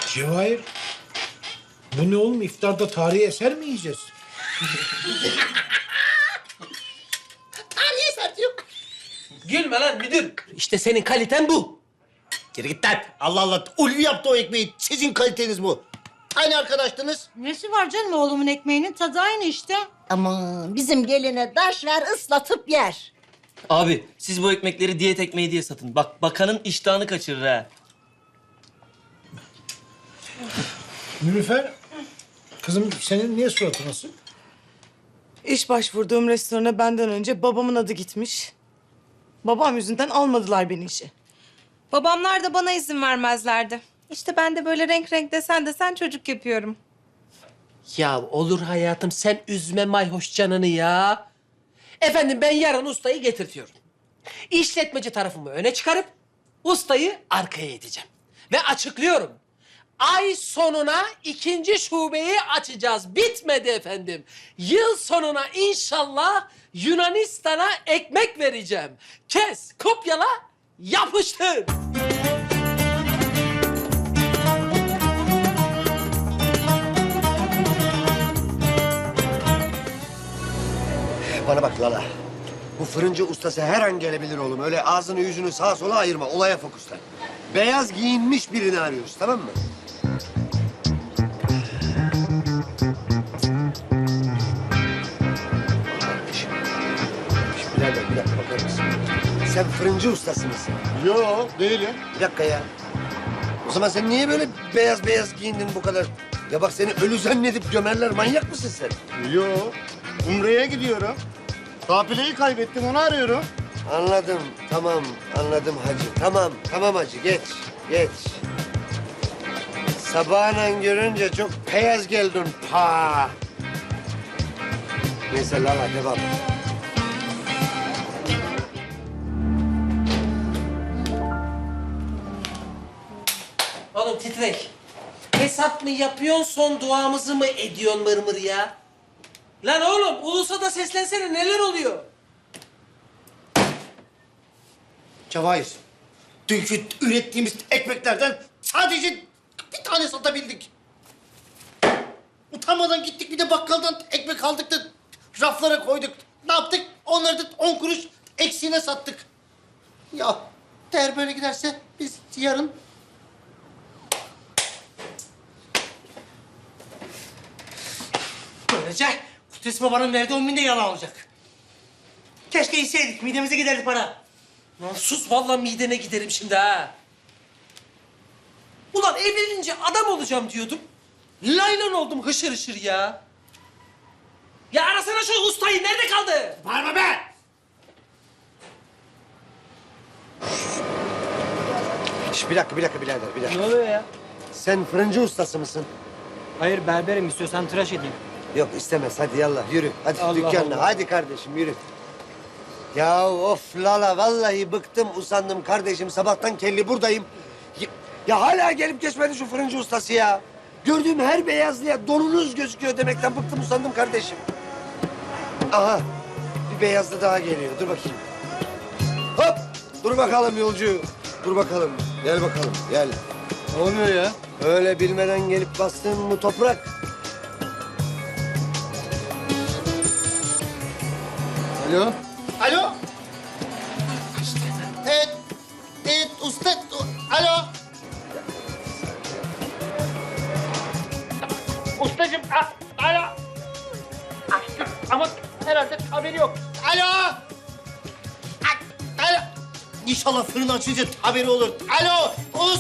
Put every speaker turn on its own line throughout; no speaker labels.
Cevahir. Bu ne oğlum? İftarda tarihi eser mi yiyeceğiz?
Tarihi eser diyor.
Gülme lan müdür. İşte senin kaliten bu.
Geri git lan. Allah Allah. Ulvi yaptı o ekmeği. Sizin kaliteniz bu. Aynı arkadaştınız.
Nesi var canım oğlumun ekmeğinin tadı aynı işte.
Aman bizim geline taş ver ıslatıp yer.
Abi siz bu ekmekleri diyet ekmeği diye satın. Bak bakanın iştahını kaçırır ha.
Nilüfer, kızım senin niye suratın asık?
İş başvurduğum restorana benden önce babamın adı gitmiş. Babam yüzünden almadılar beni işe.
Babamlar da bana izin vermezlerdi. İşte ben de böyle renk renk desen çocuk yapıyorum.
Ya olur hayatım, sen üzme mayhoş canını ya. Efendim, ben yarın ustayı getirtiyorum. İşletmeci tarafımı öne çıkarıp ustayı arkaya edeceğim. Ve açıklıyorum. Ay sonuna 2. şubeyi açacağız. Bitmedi efendim. Yıl sonuna inşallah Yunanistan'a ekmek vereceğim. Kes, kopyala, yapıştır.
Bana bak Lala. Bu fırıncı ustası her an gelebilir oğlum. Öyle ağzını yüzünü sağa sola ayırma. Olaya fokuslan. Beyaz giyinmiş birini arıyoruz, tamam mı? Kardeşim. Birader bir dakika bakar mısın? Sen fırıncı ustası mısın?
Yo, değilim.
Bir dakika ya. O zaman sen niye böyle beyaz beyaz giyindin bu kadar? Ya bak seni ölü zannedip gömerler. Manyak mısın sen?
Yo, Umre'ye gidiyorum. Kafileyi kaybettim, onu arıyorum.
Anladım, tamam. Anladım hacı. Tamam hacı. Geç. Sabahın görünce çok beyaz geldin. Pa. Neyse Lala devam.
Oğlum titrek. Hesap mı yapıyorsun, son duamızı mı ediyorsun mırmır ya? Lan oğlum, ulusa da seslensene, neler oluyor?
Cevahir, dünkü ürettiğimiz ekmeklerden sadece bir tane satabildik. Utanmadan gittik bir de bakkaldan ekmek aldık da raflara koyduk. Ne yaptık? Onları da 10 kuruş eksiğine sattık. Ya eğer böyle giderse biz yarın...
Böylece Kudüs Baba'nın verdiği 10 bin de yalan olacak. Keşke içseydik, midemize giderdi para.
Lan sus, vallahi midene giderim şimdi ha. Ulan evlenince adam olacağım diyordum. Laylan oldum hışır hışır ya. Ya arasana şu ustayı, nerede kaldı?
Bağırma be! Şş, bir dakika birader, bir dakika.
Ne oluyor ya?
Sen fırıncı ustası mısın?
Hayır berberim, istiyorsan tıraş edeyim.
Yok istemez, hadi yallah yürü. Hadi
Allah
dükkanına,
Allah.
hadi kardeşim yürü. Ya of Lala, vallahi bıktım, usandım kardeşim. Sabahtan kelli buradayım. Ya hala gelip geçmedi şu fırıncı ustası ya. Gördüğüm her beyazlıya donunuz gözüküyor demekten bıktım, usandım kardeşim. Aha, bir beyazlı daha geliyor. Dur bakayım. Hop, dur bakalım yolcu. Dur bakalım, gel bakalım, gel.
Ne oluyor ya?
Öyle bilmeden gelip bastın bu toprak.
Alo?
Alo? Evet, usta, alo.
Ustacığım, alo. Açtım ama herhalde haberi yok.
Alo. Alo. İnşallah fırın açınca haberi olur. Alo,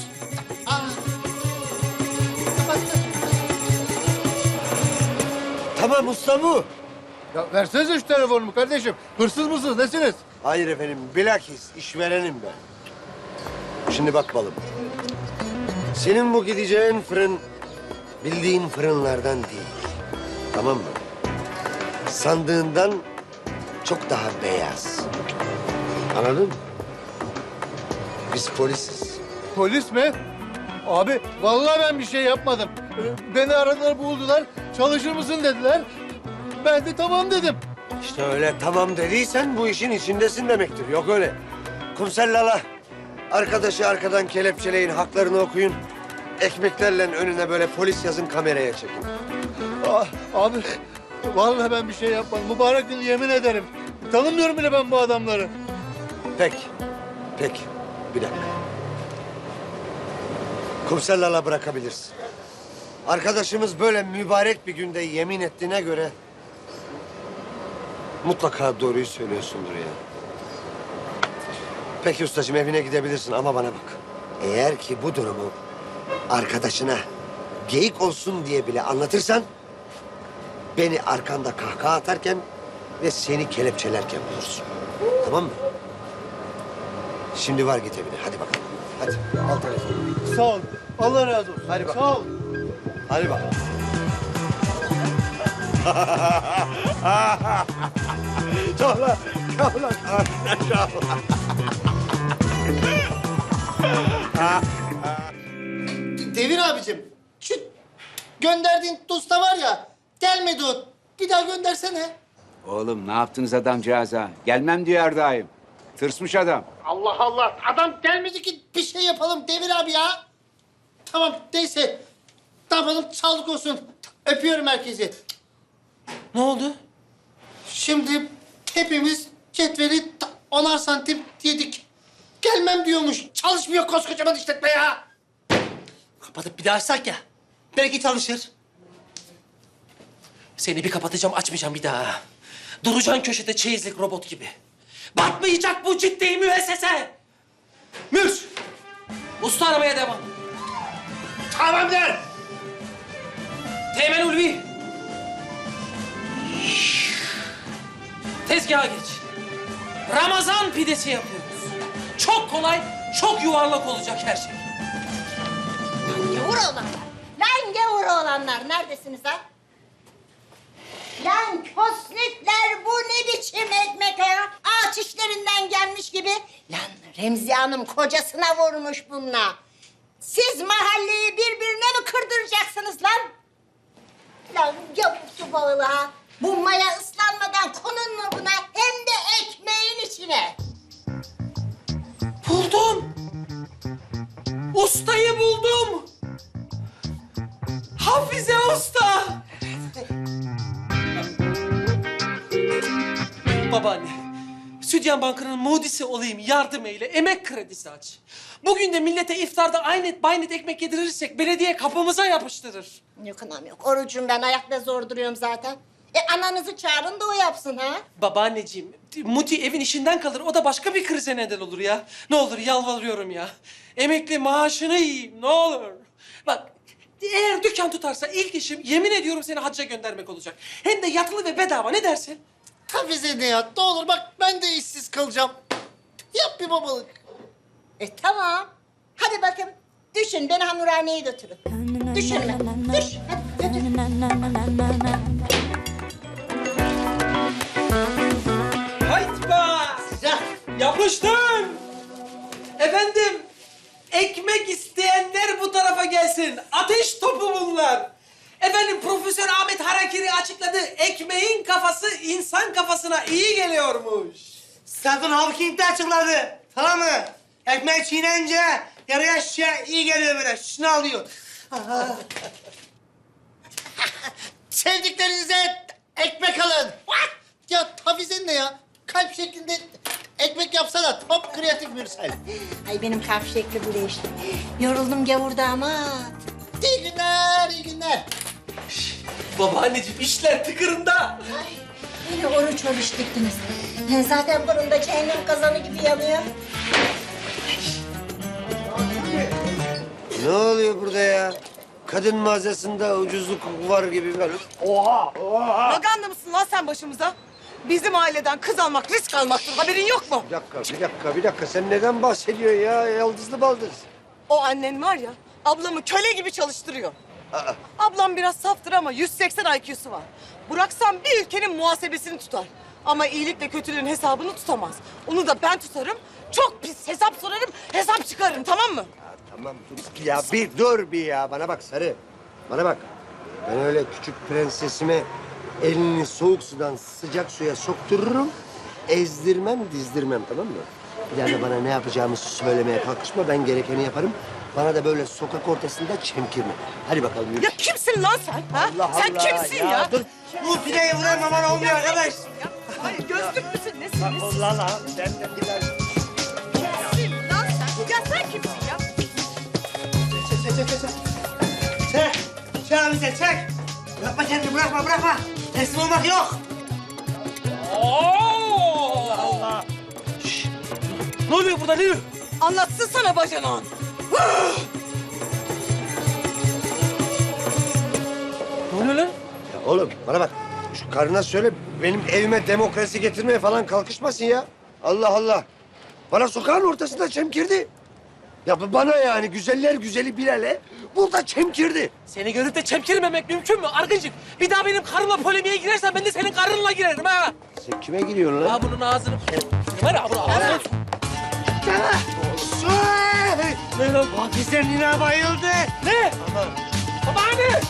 Tamam usta bu.
Ya versenize şu telefonumu kardeşim. Hırsız mısınız, nesiniz?
Hayır efendim, bilakis işverenim ben. Şimdi bak balım. Senin bu gideceğin fırın bildiğin fırınlardan değil. Tamam mı? Sandığından çok daha beyaz. Anladın mı? Biz polisiz.
Polis mi? Abi vallahi ben bir şey yapmadım. Beni aradılar, buldular. Çalışır mısın dediler. Ben de tamam dedim.
İşte öyle tamam dediysen bu işin içindesin demektir. Yok öyle. Komiser Lala, arkadaşı arkadan kelepçeleyin, haklarını okuyun. ekmeklerle önüne böyle polis yazın, kameraya çekin.
Ah, abi vallahi ben bir şey yapmadım. Mübarek gün yemin ederim. Tanımıyorum bile ben bu adamları.
Peki. Bir dakika. Komiser Lala bırakabilirsin. Arkadaşımız böyle mübarek bir günde yemin ettiğine göre mutlaka doğruyu söylüyorsundur ya. Peki ustacığım, evine gidebilirsin ama bana bak. Eğer ki bu durumu arkadaşına geyik olsun diye bile anlatırsan beni arkanda kahkaha atarken ve seni kelepçelerken bulursun. Tamam mı? Şimdi var, git evine. Hadi bakalım. Hadi al telefonu.
Sağ ol. Allah razı olsun.
Hadi bakalım.
Sağ ol.
Hadi bakalım. Çağla.
Devir abicim, şu gönderdiğin dosta var ya, gelmedi o. Bir daha göndersene.
Oğlum ne yaptınız adamcağıza? Gelmem diyor her daim. Tırsmış adam.
Allah Allah, adam gelmedi ki bir şey yapalım Devir abi ya. Tamam, neyse. Ne yapalım, sağlık olsun. Öpüyorum herkesi.
Ne oldu?
Şimdi hepimiz cetveli 10'ar santim yedik. Gelmem diyormuş. Çalışmıyor koskocaman işletme ya. Kapatıp bir daha açsak ya. Belki çalışır.
Seni bir kapatacağım, açmayacağım bir daha. Duracaksın köşede çeyizlik robot gibi. Batmayacak bu ciddi müessese. Mür! Usta aramaya devam.
Tamamdır.
Teğmen Ulvi. Tezgaha geç. Ramazan pidesi yapıyoruz. Çok kolay, çok yuvarlak olacak her şey.
Gavur olanlar. Lan gavur olanlar. Neredesiniz ha? Lan kosnitler, bu ne biçim ekmek ya? Ağaç işlerinden gelmiş gibi. Lan Remziye Hanım kocasına vurmuş bununla. Siz mahalleyi birbirine mi kırdıracaksınız lan? Lan yavrusu bağlı ha. Bu maya ıslanmadan konun mu buna? Hem de ekmeğin içine.
Buldum. Ustayı buldum. Hafize Usta. Babaanne, Südyan Bankı'nın mudisi olayım, yardım eyle, emek kredisi aç. Bugün de millete iftarda aynet baynet ekmek yedirirsek belediye kapımıza yapıştırır.
Yok anam yok. Orucum ben, ayakta zor duruyorum zaten. Ananızı çağırın da o yapsın ha.
Babaanneciğim, Muti evin işinden kalır, o da başka bir krize neden olur ya. Ne olur yalvarıyorum ya. Emekli maaşını yiyeyim, ne olur. Bak, eğer dükkan tutarsa ilk işim yemin ediyorum seni hacca göndermek olacak. Hem de yatılı ve bedava, ne dersin?
Hafize ne ya? Ne olur bak, ben de işsiz kalacağım. Yap bir babalık.
Tamam. Hadi bakın. Düşün, beni hamurhaneye götürün. Düşünme. Düş. Hadi götür.
Haytba! Yapıştım! Efendim, ekmek isteyenler bu tarafa gelsin. Ateş topu bunlar. Efendim, Profesör Ahmet Harakiri açıkladı. Ekmeğin kafası insan kafasına iyi geliyormuş.
Stephen Hawking de açıkladı. Tamam mı? Ekmek çiğneyince yarıya şişe iyi geliyor böyle. Şunu alıyor. Sevdiklerinize ekmek alın. What? Ya Hafize ne ya? Kalp şeklinde ekmek yapsana. Top kreatif Mürsel.
Ay benim kalp şekli bu değişti. Yoruldum gavur damat.
İyi günler, iyi günler.
Babaanneciğim, işler tıkırında.
Ay beni oruç diktiniz. Zaten fırında cehennem kazanı gibi yanıyor.
Ne oluyor burada ya? Kadın mağazasında ucuzluk var gibi böyle.
Maganda mısın lan sen başımıza? Bizim aileden kız almak risk almaktır. Haberin yok mu?
Bir dakika. Sen neden bahsediyorsun ya? Yaldızlı baldız.
O annen var ya, ablamı köle gibi çalıştırıyor. Ablam biraz saftır ama 180 IQ'su var. Bıraksam bir ülkenin muhasebesini tutar. Ama iyilikle kötülüğün hesabını tutamaz. Onu da ben tutarım. Çok pis hesap sorarım, hesap çıkarırım, tamam mı?
Tamam dur ya, bir dur bir ya. Bana bak Sarı. Bana bak. Ben öyle küçük prensesime elini soğuk sudan sıcak suya soktururum. ezdirmem, dizdirmem, tamam mı? Bir daha da bana ne yapacağımı söylemeye kalkışma, ben gerekeni yaparım. Bana da böyle sokak ortasında çemkirme. Hadi bakalım yürü.
Ya kimsin lan sen? Ha?
Allah
sen
Allah,
kimsin ya?
Dur. Bu pideyi vuramam bana olmuyor arkadaş.
Hayır gözlük müsün? Nesin?
Allah Allah. Ben de biraz...
Kimsin lan sen? Ya sen kimsin ya?
Çek. Çek bize çek. Bırakma kendini bırakma. Teslim olmak yok.
Ne oluyor burada Lülü?
Anlatsın sana bacanan.
Ne oluyor lan?
Ya oğlum bana bak. Şu karına söyle benim evime demokrasi getirmeye falan kalkışmasın ya. Allah Allah. Bana sokağın ortasında çemkirdi. Ya bana yani güzeller güzeli Bilal'e burada çemkirdi.
Seni görüp de çemkirmemek mümkün mü Argıncık? Bir daha benim karımla polemiğe girersen ben de senin karınla girerim ha.
Sen kime giriyorsun lan?
Ha bunun ağzını... Var ya bunu ağzını... Ne lan?
Hafizler Nina bayıldı.
Ne? Babaanne!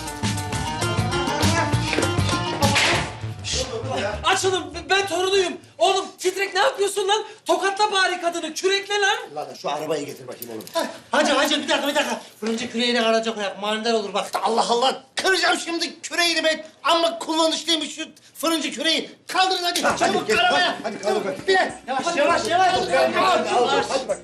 Açılın, ben torunuyum. Oğlum titrek ne yapıyorsun lan? Tokatla bari kadını, kürekle lan.
Lan şu arabayı getir bakayım oğlum.
Hacı bir dakika. Fırıncı küreğine karaca koyak. Manidar olur bak. Allah Allah. Kıracağım şimdi küreğini ben. Amma kullanışlıymış şu fırıncı küreği. Kaldırın hadi. Çabuk
gel,
arabaya.
hadi kaldır bakayım.
Biraz. Yavaş.
Hadi bak.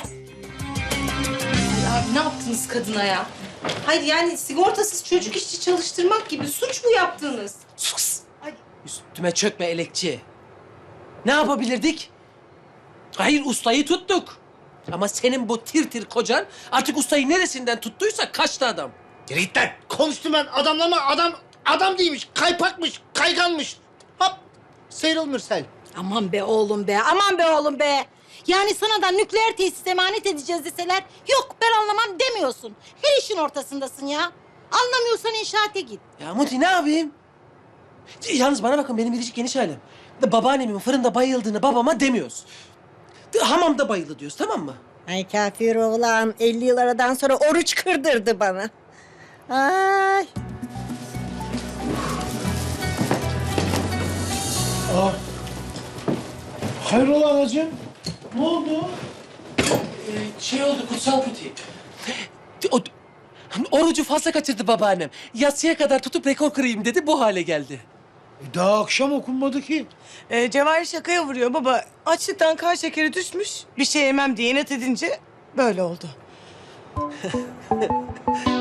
Ya ne yaptınız kadına ya? Hayır yani sigortasız çocuk işçi çalıştırmak gibi suç mu yaptınız?
Sus! Üstüme çökme elekçi. Ne yapabilirdik? Hayır ustayı tuttuk. Ama senin bu tir kocan artık ustayı neresinden tuttuysa kaçtı adam.
Yürü git lan. Konuştum ben adamlama. Adam değilmiş. Kaypakmış. Kayganmış. Hop. Sıyrıl Mürsel.
Aman be oğlum be. Yani sana da nükleer tesis emanet edeceğiz deseler yok ben anlamam demiyorsun. Her işin ortasındasın ya. Anlamıyorsan inşaata git.
Ya Muti ne yapayım? Yalnız bana bakın benim biricik geniş halim. Babaannemin fırında bayıldığını babama demiyoruz. Hamamda bayıldı diyoruz tamam mı?
Ay kafir oğlan 50 yıl aradan sonra oruç kırdırdı bana. Ay.
Hayrola anacığım? Ne oldu?
Şey oldu kutsal Muti. Orucu fazla kaçırdı babaannem. Yatsıya kadar tutup rekor kırayım dedi bu hale geldi.
Daha akşam okunmadı ki.
Cevahir şakaya vuruyor baba. Açlıktan kan şekeri düşmüş. Bir şey yemem diye inat edince böyle oldu.